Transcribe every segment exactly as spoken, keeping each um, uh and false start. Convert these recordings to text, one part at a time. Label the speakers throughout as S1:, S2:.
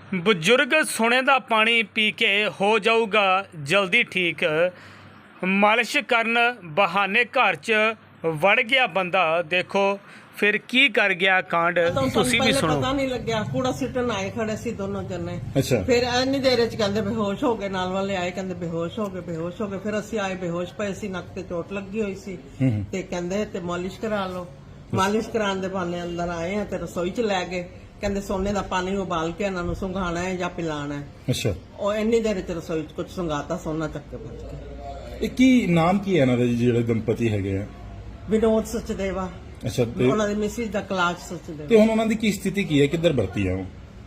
S1: ਬਜ਼ੁਰਗ ਸੋਨੇ ਦਾ ਪਾਣੀ ਪੀ ਕੇ ਹੋ ਜਾਊਗਾ ਜਲਦੀ ਠੀਕ। ਮਾਲਿਸ਼ ਕਰਨ ਬਹਾਨੇ ਘਰ 'ਚ ਵੜ ਗਿਆ ਬੰਦਾ। ਦੇਖੋ ਫਿਰ ਕੀ ਕਰ ਗਿਆ ਕਾਂਡ, ਤੁਸੀਂ ਵੀ ਸੁਣੋ।
S2: ਪਤਾ ਨਹੀਂ ਲੱਗਿਆ, ਕੂੜਾ ਸਿੱਟਣ ਆਏ ਖੜੇ ਸੀ ਦੋਨੋਂ ਜਣੇ।
S3: ਅੱਛਾ।
S2: ਫਿਰ ਇੰਨੀ ਦੇਰ ਚ ਕਹਿੰਦੇ ਬੇਹੋਸ਼ ਹੋ ਗਏ, ਨਾਲ ਵਾਲੇ ਆਏ ਕਹਿੰਦੇ ਬੇਹੋਸ਼ ਹੋ ਗਏ ਬੇਹੋਸ਼ ਹੋ ਗਏ ਫਿਰ ਅਸੀਂ ਆਏ, ਬੇਹੋਸ਼ ਪਏ ਸੀ, ਨੱਕ ਤੇ ਚੋਟ ਲੱਗੀ ਹੋਈ ਸੀ ਤੇ ਕਹਿੰਦੇ ਤੇ ਮਾਲਿਸ਼ ਕਰਾ ਲਓ। ਮਾਲਿਸ਼ ਕਰਾਉਣ ਦੇ ਬਹਾਨੇ ਅੰਦਰ ਆਏ ਆ ਤੇ ਰਸੋਈ ਚ ਲੈ ਗਏ। ਕਹਿੰਦੇ ਸੋਨੇ ਦਾ ਪਾਣੀ ਉਬਾਲ ਕੇ ਇਹਨਾਂ ਨੂੰ ਸੁੰਘਾਣਾ ਹੈ ਜਾਂ ਪਿਲਾਣਾ ਹੈ।
S3: ਅੱਛਾ।
S2: ਉਹ ਇੰਨੀ ਦੇਰ ਚ ਰਸੋਈ ਚ ਕੁਝ ਸੁੰਘਾਤਾ, ਸੋਨਾ ਚੱਕ ਕੇ ਭੱਜ ਕੇ।
S3: ਇਹ ਕੀ ਨਾਮ ਕੀ ਹੈ ਇਹਨਾਂ ਦੇ ਜਿਹੜੇ ਦੰਪਤੀ ਹੈਗੇ ਆ?
S2: ਵਿਨੋਦ ਸਚਦੇਵਾ।
S3: ਅੱਛਾ। ਤੇ
S2: ਉਹਨਾਂ ਦੀ ਮਿਸਿਸ ਦਾ ਕਲਾਸ਼ ਸਚਦੇਵਾ।
S3: ਤੇ ਹੁਣ ਉਹਨਾਂ ਦੀ ਕੀ ਸਥਿਤੀ ਕੀ ਹੈ, ਕਿੱਧਰ ਭਰਤੀ ਆ ਉਹ?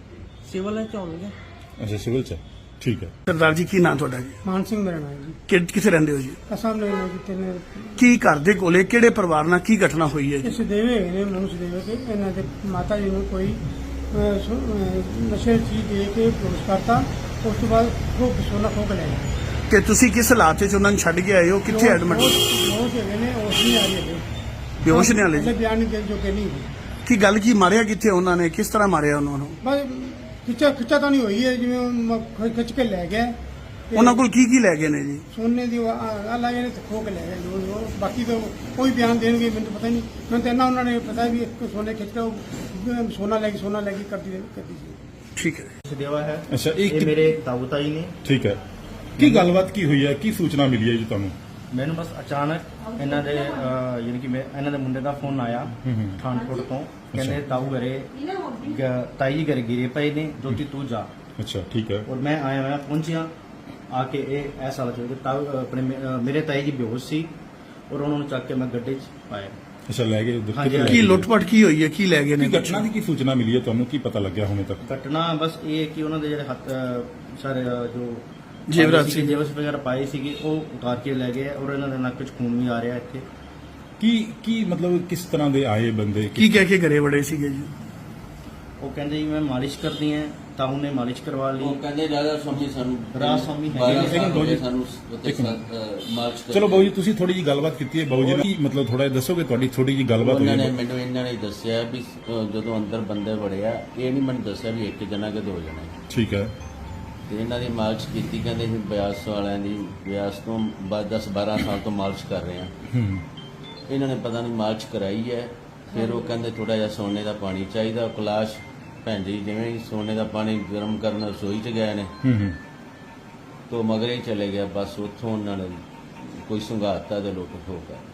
S2: ਸਿਵਲ ਚ ਹੋਣਗੇ।
S3: ਅੱਛਾ, ਸਿਵਲ ਚ। ਠੀਕ ਹੈ।
S4: सरदार जी की नाम थोड़ा जी?
S5: ਮਾਨ ਸਿੰਘ ਮੇਰਾ ਨਾਮ ਜੀ।
S4: कि किथे रहंदे हो जी?
S5: ਅਸਾਂ ਨੇ ਨਾ ਕਿਤੇ ਨੇ
S4: की घर दे कोले किहड़े परिवार नाल की घटना हुई है जी?
S5: ਇਸ ਦੇਵੇ ਨੇ ਮਨੁੱਖ ਦੇਵੇ ਕਿ ਇਹਨਾਂ ਦੇ ਮਾਤਾ ਜੀ ਨੂੰ ਕੋਈ ਅਹ, ਸੁ- ਅਹ, ਨਸ਼ੇ ਦੀ ਚੀਜ਼ ਦੇ ਕੇ ਬੇਹੋਸ਼ ਕਰਤਾ। ਉਸ ਤੋਂ ਬਾਅਦ ਖੂਬ ਸੋਨਾ ਖੋਹ ਕੇ ਲੈ ਗਏ।
S4: ਕਿ ਤੁਸੀਂ ਕਿਸ ਹਾਲਾਤ 'ਚ ਉਹਨਾਂ ਨੂੰ ਛੱਡ ਕੇ ਆਏ ਹੋ, ਕਿੱਥੇ ਐਡਮਿਟ?
S5: ਬੇਹੋਸ਼ ਹੈਗੇ ਨੇ, ਉਸ ਨਹੀਂ ਆ ਰਹੀ ਹੈ।
S4: ਬੇਹੋਸ਼ ਨੇ ਹਾਲੇ ਜੀ?
S5: ਬਿਆਨ ਨਹੀਂ ਦੇਣ ਜੋਗੇ ਨਹੀਂ ਹੈਗੇ।
S4: ਕੀ ਗੱਲ ਕੀ ਮਾਰਿਆ ਕਿੱਥੇ ਉਹਨਾਂ ਨੇ, ਕਿਸ ਤਰ੍ਹਾਂ ਮਾਰਿਆ ਉਹਨਾਂ ਨੂੰ?
S5: ਬਸ ਖਿੱਚਾ ਖਿੱਚਾ ਤਾਂ ਨਹੀਂ ਹੋਈ ਹੈ, ਜਿਵੇਂ ਉਹ ਮ- ਖਿ- ਖਿੱਚ ਕੇ ਲੈ ਗਿਆ ਤੇ
S4: ਉਹਨਾਂ ਕੋਲ ਕੀ ਕੀ ਲੈ ਗਏ ਨੇ ਜੀ?
S5: ਸੋਨੇ ਦੀ ਆ ਲਾਗੇ ਨੇ ਤੇ ਖੋਹ ਕੇ ਲੈ ਗਏ। ਜੋ- ਜੋ ਬਾਕੀ ਤਾਂ ਕੋਈ ਬਿਆਨ ਦੇਣਗੇ ਮੈਨੂੰ ਤਾਂ ਪਤਾ ਨਹੀਂ। ਮੈਨੂੰ ਤਾਂ ਇੰਨਾ ਉਹਨਾਂ ਨੇ ਪਤਾ ਵੀ ਇੱਕ ਸੋਨੇ ਖਿੱਚ ਕੇ ਉਹ ਸੋਨਾ ਲੈ ਕੇ ਸੋਨਾ ਲੈ ਕੇ ਕਰਦੀ ਕਰਦੀ ਸੀ।
S4: ਠੀਕ ਹੈ।
S6: ਸਦੇਵਾ ਹੈ।
S3: ਅੱਛਾ।
S6: ਇਹ
S3: ਇਹ
S6: ਮੇਰੇ ਤਾਊ ਤਾਈ ਨੇ।
S3: ਠੀਕ ਹੈ। ਕੀ ਗੱਲਬਾਤ ਕੀ ਹੋਈ ਹੈ, ਕੀ ਸੂਚਨਾ ਮਿਲੀ ਹੈ ਜੀ ਤੁਹਾਨੂੰ?
S6: ਮੈਨੂੰ ਬਸ ਅਚਾਨਕ ਇਹਨਾਂ ਦੇ ਅਹ, ਯਾਨੀ ਕਿ ਮੈਂ ਇਹਨਾਂ ਦੇ ਮੁੰਡੇ ਦਾ ਫੋਨ ਆਇਆ ਪਠਾਨਕੋਟ ਤੋਂ। ਕਹਿੰਦੇ ਤਾਊ ਘਰੇ ਗ- ਤਾਈ ਜੀ ਘਰੇ ਗਿਰੇ ਪਏ ਨੇ, ਜੋਤੀ ਤੂੰ ਜਾ।
S3: ਅੱਛਾ। ਠੀਕ ਹੈ।
S6: ਔਰ ਮੈਂ ਆਇਆ, ਮੈਂ ਪਹੁੰਚਿਆ ਆ ਕੇ ਇਹ ਐਸਾ ਲੱਗ ਰਿਹਾ ਤਾਊ ਆਪਣੇ ਮੇ- ਅਹ, ਮੇਰੇ ਤਾਈ ਜੀ ਬੇਹੋਸ਼ ਸੀ ਔਰ ਉਹਨਾਂ ਨੂੰ ਚੱਕ ਕੇ ਮੈਂ ਗੱਡੇ 'ਚ ਪਾਇਆ।
S3: ਅੱਛਾ, ਲੈ ਗਏ ਉੱਧਰ?
S6: ਹਾਂਜੀ,
S3: ਕਿੱਥੇ ਲੈ
S4: ਕੀ
S3: ਗਏ?
S4: ਲੁੱਟਪਟ ਕੀ ਹੋਈ ਹੈ, ਕੀ ਲੈ ਗਏ ਨੇ?
S3: ਕੀ ਘਟਨਾ ਦੀ ਕੀ ਸੂਚਨਾ ਮਿਲੀ ਹੈ ਤੁਹਾਨੂੰ, ਕੀ ਪਤਾ ਲੱਗਿਆ ਹੁਣੇ ਤੱਕ?
S6: ਘਟਨਾ ਬਸ ਇਹ ਹੈ ਕਿ ਉਹਨਾਂ ਦੇ ਜਿਹੜੇ ਹੱਥ ਅਹ, ਸਾਰੇ ਅਹ, ਜੋ
S4: ਜੇਵਰਾਤ
S6: ਸੀਗੇ,
S4: ਸੀ।
S6: ਜੇਵਰਾਤ ਵਗੈਰਾ ਪਾਏ ਸੀਗੇ, ਉਹ ਉਤਾਰ ਕੇ ਲੈ ਗਏ ਔਰ ਇਹਨਾਂ ਦੇ ਨੱਕ 'ਚ ਖੂਨ ਵੀ ਆ ਰਿਹਾ ਇੱਥੇ।
S3: ਕੀ ਕੀ ਮਤਲਬ ਕਿਸ ਤਰ੍ਹਾਂ ਦੇ ਆਏ ਬੰਦੇ?
S4: ਕੀ ਕਹਿ ਕੇ ਘਰੇ ਵੜੇ ਸੀਗੇ ਜੀ?
S6: ਉਹ ਕਹਿੰਦੇ ਜੀ ਮੈਂ ਮਾਲਿਸ਼ ਕਰਨੀ ਹੈ, ਤਾਂ ਉਹਨੇ ਮਾਲਿਸ਼ ਕਰਵਾ ਲਈ।
S7: ਉਹ ਕਹਿੰਦੇ ਰਾਜਾ ਸਵਾਮੀ ਸਾਨੂੰ
S6: ਰਾਜਾ ਸਵਾਮੀ ਹੈਗੇ
S7: ਬਾਰਾਂ
S6: ਨੇ।
S7: ਸਾਲ ਹੋ ਗਏ
S3: ਇੱਕ
S7: ਸਾਨੂੰ ਉੱਥੇ
S3: ਇੱਕ ਮਿੰਟ।
S7: ਸ- ਮਾਰਚ ਕਰਦੇ।
S3: ਚਲੋ ਬਾਊ ਜੀ, ਤੁਸੀਂ ਥੋੜੀ ਜੀ ਗੱਲਬਾਤ ਕੀਤੀ ਹੈ ਬਾਊ ਜੀ ਨਾਲ, ਕੀ ਮਤਲਬ ਥੋੜਾ ਦੱਸੋਗੇ ਤੁਹਾਡੀ ਥੋੜੀ ਜੀ ਗੱਲਬਾਤ ਹੋਈ
S7: ਉਹਨਾਂ ਨੇ
S3: ਹੈ?
S7: ਮੈਨੂੰ ਇਹਨਾਂ ਨੇ ਦੱਸਿਆ ਵੀ ਅ, ਜਦੋਂ ਅੰਦਰ ਬੰਦੇ ਵੜਿਆ, ਇਹ ਨਹੀਂ ਮੈਨੂੰ ਦੱਸਿਆ ਵੀ ਇੱਕ ਜਣਾ ਕਿ ਦੋ ਜਣੇ।
S3: ਠੀਕ ਹੈ।
S7: ਤੇ ਇਹਨਾਂ ਦੀ ਮਾਲਿਸ਼ ਕੀਤੀ, ਕਹਿੰਦੇ ਵੀ ਬਿਆਸ ਵਾਲਿਆਂ ਦੀ, ਬਿਆਸ ਤੋਂ ਬਾਅਦ ਦਸ ਬਾਰਾਂ ਸਾਲ ਤੋਂ ਮਾਲਿਸ਼ ਕਰ ਰਹੇ ਆ।
S3: ਹੂੰ।
S7: ਇਹਨਾਂ ਨੇ ਪਤਾ ਨਹੀਂ ਮਾਲਿਸ਼ ਕਰਾਈ ਹੈ। ਫਿਰ ਉਹ ਕਹਿੰਦੇ ਥੋੜਾ ਜਿਹਾ ਸੋਨੇ ਦਾ ਪਾਣੀ ਚਾਹੀਦਾ। ਕਲਾਸ਼ ਭੈਣ ਜੀ ਜਿਵੇਂ ਹੀ ਸੋਨੇ ਦਾ ਪਾਣੀ ਗਰਮ ਕਰਨ ਰਸੋਈ 'ਚ ਗਏ ਨੇ,
S3: ਹੂੰ ਹੂੰ।
S7: ਤੋਂ ਮਗਰੇ ਹੀ ਚਲੇ ਗਿਆ। ਬਸ ਉੱਥੋਂ ਉਹਨਾਂ ਨੇ ਕੋਈ ਸੰਘਾਤਾ ਤੇ ਲੁੱਟ ਖੋਹ ਕਰ